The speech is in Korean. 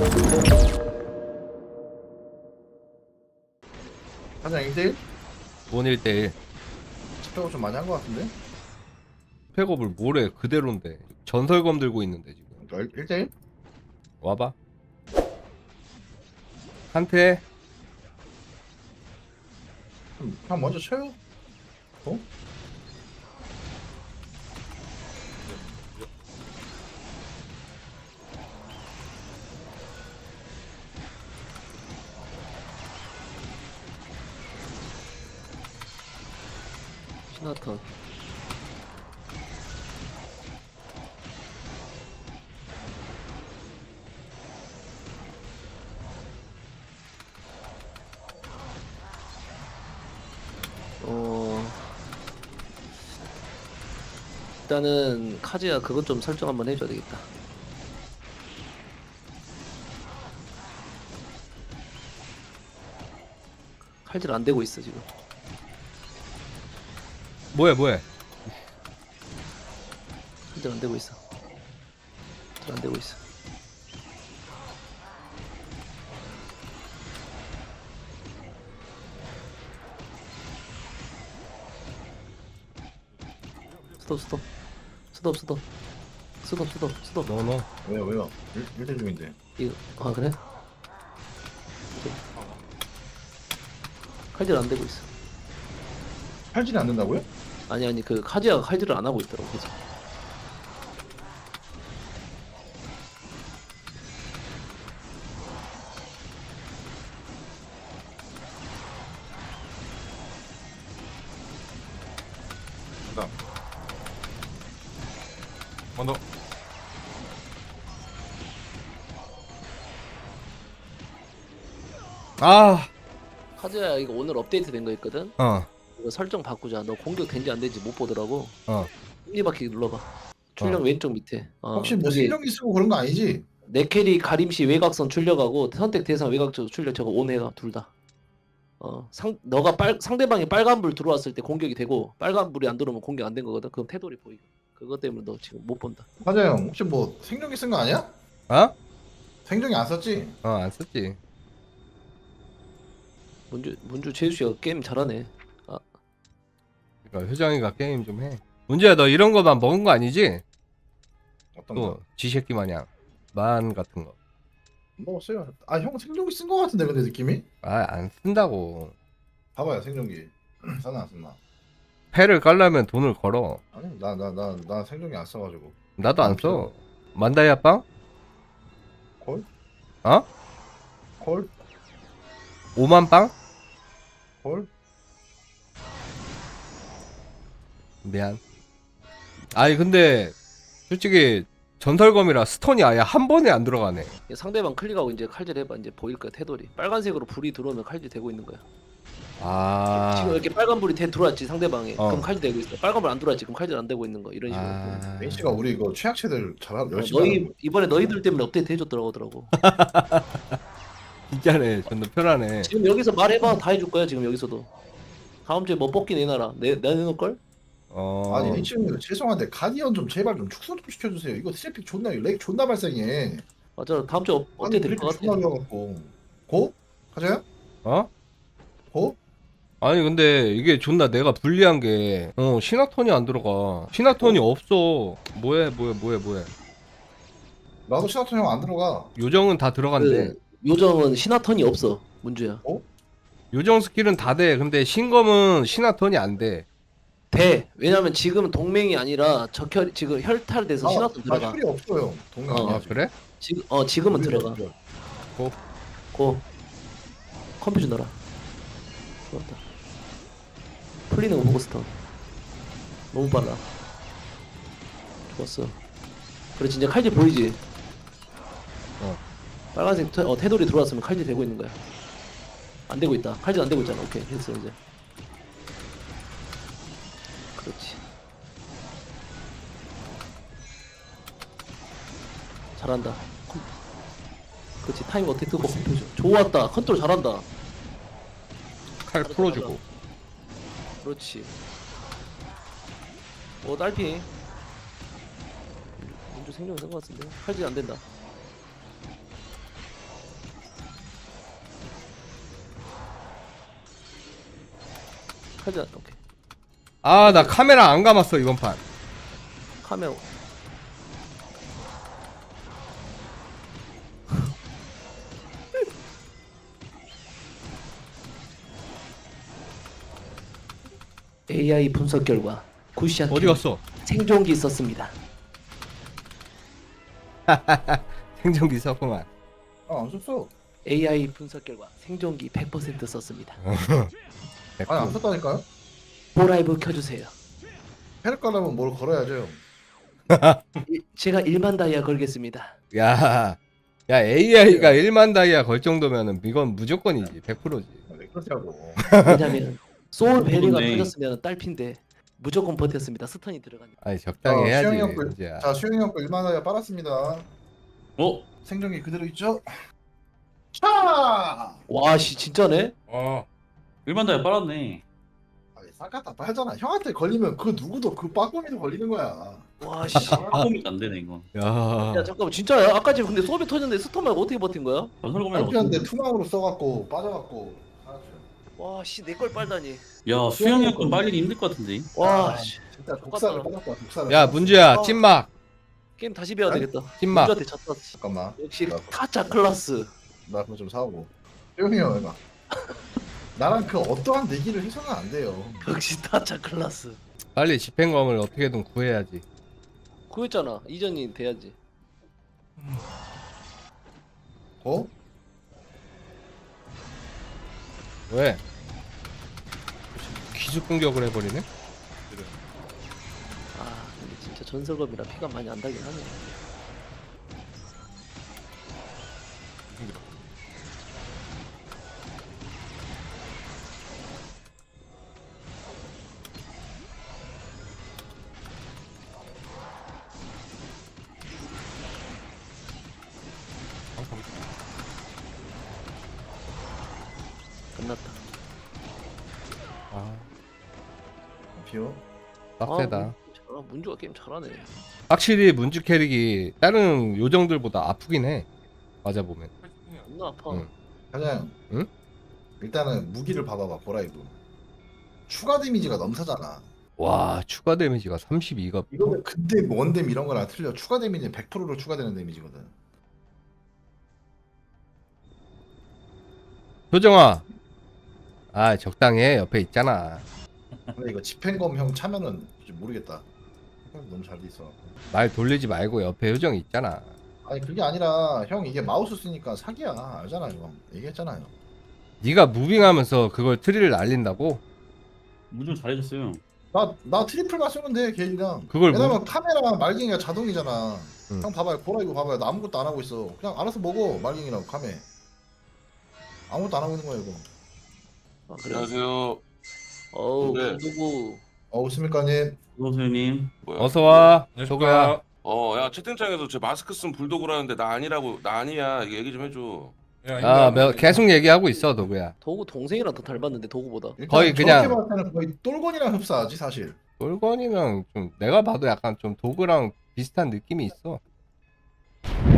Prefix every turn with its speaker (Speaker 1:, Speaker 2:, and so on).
Speaker 1: 사장 1대1?
Speaker 2: 원 1대1.
Speaker 1: 스펙을 좀 많이 한 것 같은데?
Speaker 2: 팩업을 뭐래 그대로인데 전설검 들고 있는데 지금
Speaker 1: 1대1?
Speaker 2: 와봐 한테.
Speaker 1: 그냥 먼저 쳐요. 어?
Speaker 3: 시나턴. 일단은 카즈야 그것 좀 설정 한번 해줘야 되겠다. 칼질 안 되고 있어 지금.
Speaker 2: 뭐야
Speaker 3: 칼질 안 되고 있어. 칼질 안 되고 있어. 스톱.
Speaker 2: 너너
Speaker 1: 왜요? 1대 중인데.
Speaker 3: 이거 아 그래? 칼질 안 되고 있어.
Speaker 1: 팔질이 안 된다고요?
Speaker 3: 아니 그 카즈야가 칼질을 안 하고 있더라고 계속.
Speaker 1: 그다음.
Speaker 2: 언더. 아,
Speaker 3: 카즈야 이거 오늘 업데이트 된 거 있거든.
Speaker 2: 어,
Speaker 3: 이거 설정 바꾸자. 너 공격 된지 안 된지 못 보더라고.
Speaker 2: 어.
Speaker 3: 톱니바퀴 눌러봐. 출력 왼쪽 밑에.
Speaker 1: 혹시 뭐
Speaker 3: 저기
Speaker 1: 실력이 쓰고 그런 거 아니지?
Speaker 3: 내 캐리 가림시 외곽선 출력하고 선택 대상 외곽적 출력 저거 온해가 둘 다. 너가 상대방이 빨간 불 들어왔을 때 공격이 되고 빨간 불이 안 들어오면 공격 안 된 거거든. 그럼 태돌이 보이고. 그것 때문에 너 지금 못 본다.
Speaker 1: 사장 형 혹시 뭐 생존기 쓴 거 아니야?
Speaker 2: 어?
Speaker 1: 생존기 안 썼지?
Speaker 2: 안 썼지.
Speaker 3: 문주 재수씨가 게임 잘하네.
Speaker 2: 그러니까 효정이가 게임 좀 해. 문제야, 너 이런 거만 먹은 거 아니지?
Speaker 1: 어떤
Speaker 2: 또
Speaker 1: 거?
Speaker 2: 지새끼 마냥 만 같은 거.
Speaker 1: 먹었어요. 아 형 생존기 쓴 거 같은데 근데 느낌이?
Speaker 2: 안 쓴다고.
Speaker 1: 봐봐요 생존기. 썼나 안 썼나?
Speaker 2: 패를 깔려면 돈을 걸어.
Speaker 1: 아니 나 생존기 안 써가지고.
Speaker 2: 나도 안 써. 만다이아 빵?
Speaker 1: 콜?
Speaker 2: 어?
Speaker 1: 콜?
Speaker 2: 5만 빵?
Speaker 1: 콜?
Speaker 2: 미안. 아니 근데 솔직히 전설검이라 스톤이 아예 한 번에 안 들어가네.
Speaker 3: 상대방 클릭하고 이제 칼질 해봐. 이제 보일 거야 태돌이. 빨간색으로 불이 들어오면 칼질 되고 있는 거야. 지금 이렇게 빨간 불이 들어왔지 상대방에. 그럼 칼질 되고 있어. 빨간 불 안 들어왔지. 그럼 칼질 안 되고 있는 거. 이런 식으로.
Speaker 1: 메인 씨가 우리 이거 최악체들 잘 열심히
Speaker 3: 이번에 너희들 때문에 업데이트 해줬더라고.
Speaker 2: 진짜네. 존나 편하네.
Speaker 3: 지금 여기서 말해봐. 다 해줄 거야 지금 여기서도. 다음 주에 뭐 뽑기 내놔라. 내놓을 걸?
Speaker 1: 아니 리치님 죄송한데 가디언 좀 제발 좀 축소 좀 시켜주세요. 이거 트래픽 존나 렉 존나 발생해.
Speaker 3: 맞아. 다음 주에 업데이트 될 것 같아.
Speaker 1: 존나 어려워갖고. 고? 가자요?
Speaker 2: 어?
Speaker 1: 고?
Speaker 2: 아니 근데 이게 존나 내가 불리한 게 시나톤이 안 들어가. 시나톤이 없어. 뭐해.
Speaker 1: 나도 시나토 형 안 들어가.
Speaker 2: 요정은 다 들어간대.
Speaker 3: 그 요정은 시나턴이 없어. 문주야.
Speaker 2: 요정 스킬은 다 돼. 근데 신검은 시나톤이 안 돼.
Speaker 3: 돼. 왜냐면 지금 동맹이 아니라 적혈 지금 혈탈돼서 시나턴 들어가.
Speaker 1: 혈이 없어요. 동네 아니야.
Speaker 2: 아 그래?
Speaker 3: 지금은 들어가. 고. 컴퓨터 넣어라. 좋았다. 풀리는 거 보고 스턴. 너무 빨라. 좋았어. 그래 진짜 칼질 보이지? 빨간색 태돌이 들어왔으면 칼질 되고 있는 거야. 안 되고 있다. 칼질 안 되고 있잖아. 오케이 됐어 이제. 그렇지. 잘한다. 그렇지 타임 어택 뜨고 컴퓨터 좋았다. 컨트롤 잘한다.
Speaker 2: 칼 풀어주고.
Speaker 3: 그렇지. 딸피. 문주 생존 된것 같은데 칼질 안 된다. 하자. 오케이.
Speaker 2: 아 나 카메라 안 감았어 이번 판.
Speaker 3: 카메라. AI 분석 결과 쿠시아
Speaker 2: 어디 갔어?
Speaker 3: 생존기 썼습니다.
Speaker 2: 생존기 썼구만.
Speaker 1: 안 썼어.
Speaker 3: AI 분석 결과 생존기 100% 썼습니다.
Speaker 1: 아니 안 썼다니까요.
Speaker 3: 보라이브 켜주세요.
Speaker 1: 패를 깔려면 뭘 걸어야죠.
Speaker 3: 제가 1만 다이아 걸겠습니다.
Speaker 2: 야, 야 AI가 1만 다이아 걸 정도면은 이건 무조건이지 100%지.
Speaker 1: 왜 그러냐고.
Speaker 3: 왜냐면 소울 베리가
Speaker 4: 그러네.
Speaker 3: 터졌으면 딸핀데 무조건 버텼습니다. 스턴이 들어가니까.
Speaker 2: 아니 적당히 해야지.
Speaker 1: 수영이 형 거.
Speaker 2: 이제야.
Speaker 1: 자 수영이 형거 1만 원에 빨았습니다.
Speaker 4: 어?
Speaker 1: 생존기 그대로 있죠? 차!
Speaker 3: 와씨 진짜네?
Speaker 4: 일반 다이아 빨았네.
Speaker 1: 아니 싹다 빨잖아. 형한테 걸리면 그 누구도 그 빠꾸미도 걸리는 거야.
Speaker 3: 와씨.
Speaker 4: 빠꼼이 안 되네 이건.
Speaker 2: 야,
Speaker 3: 야 잠깐만 진짜야? 아까 지금 근데 소비 터졌는데 스턴 말고 어떻게 버틴 거야?
Speaker 4: 전설검이랑
Speaker 1: 딸피한테 투망으로 써갖고 빠져갖고. 알았죠.
Speaker 3: 와씨 내 걸 빨다니.
Speaker 4: 야 수영이 형건 빨리기 힘들 것 같은데.
Speaker 3: 와씨
Speaker 1: 진짜 독사를 빠졌다. 독사를.
Speaker 2: 야 문주야
Speaker 3: 아.
Speaker 2: 찐막
Speaker 3: 게임 다시 배워야
Speaker 1: 아니,
Speaker 3: 되겠다.
Speaker 2: 찐막.
Speaker 3: 문주한테 졌다.
Speaker 1: 잠깐만.
Speaker 3: 역시
Speaker 1: 나-
Speaker 3: 타짜 클라스.
Speaker 1: 나 그거 좀 사오고. 수영이 형 해봐. 나랑 그 어떠한 내기를 해서는 안 돼요.
Speaker 3: 역시 타짜 클라스.
Speaker 2: 빨리 집행검을 어떻게든 구해야지.
Speaker 3: 구했잖아. 이전이 돼야지.
Speaker 1: 어?
Speaker 2: 왜? 기습 공격을 해버리네?
Speaker 3: 아 근데 진짜 전설검이라 피가 많이 안 달긴 하네. 끝났다.
Speaker 2: 아,
Speaker 1: 비워.
Speaker 2: 빡세다.
Speaker 3: 문주가 게임 잘하네.
Speaker 2: 확실히 문주 캐릭이 다른 요정들보다 아프긴 해. 맞아 보면.
Speaker 3: 존나 아파.
Speaker 2: 응.
Speaker 1: 사장.
Speaker 2: 응?
Speaker 1: 일단은 무기를 봐봐봐. 보라이브. 추가 데미지가 넘사잖아.
Speaker 2: 와 추가 데미지가 32가.
Speaker 1: 이거는 근데 원뎀 이런 거랑 틀려. 추가 데미지는 100%로 추가되는 데미지거든.
Speaker 2: 효정아. 아 적당해 옆에 있잖아.
Speaker 1: 근데 이거 집행검 형 차면은 좀 모르겠다. 너무 잘 돼 있어.
Speaker 2: 말 돌리지 말고 옆에 효정이 있잖아.
Speaker 1: 아니 그게 아니라 형 이게 마우스 쓰니까 사기야. 알잖아요. 얘기했잖아요.
Speaker 2: 네가 무빙하면서 그걸 트리를 날린다고?
Speaker 4: 무좀 잘해줬어요.
Speaker 1: 나 트리플만 쓰면 돼 개인이랑.
Speaker 2: 그걸
Speaker 1: 왜냐면 카메라 말갱이가 자동이잖아.
Speaker 2: 응.
Speaker 1: 형 봐봐요. 보라이브 봐봐요. 나 아무것도 안 하고 있어. 그냥 알아서 먹어. 말갱이랑 카메. 아무것도 안 하고 있는 거야 이거.
Speaker 3: 아, 그래.
Speaker 5: 안녕하세요.
Speaker 3: 어우
Speaker 5: 네.
Speaker 3: 누구?
Speaker 1: 있습니까님?
Speaker 4: 선생님.
Speaker 5: 뭐야?
Speaker 2: 어서 와. 저거야.
Speaker 5: 야 채팅창에서 제 마스크 쓴 불도그라는데 나 아니라고 나 아니야. 이거 얘기 좀 해줘.
Speaker 2: 계속 얘기하고 있어 도구야.
Speaker 3: 도구 동생이랑 더 닮았는데 도구보다.
Speaker 1: 일단
Speaker 2: 거의 그냥-
Speaker 1: 저렇게 봤을 때는 거의 똘건이랑 흡사하지 사실.
Speaker 2: 돌건이랑 좀 내가 봐도 약간 좀 도구랑 비슷한 느낌이 있어.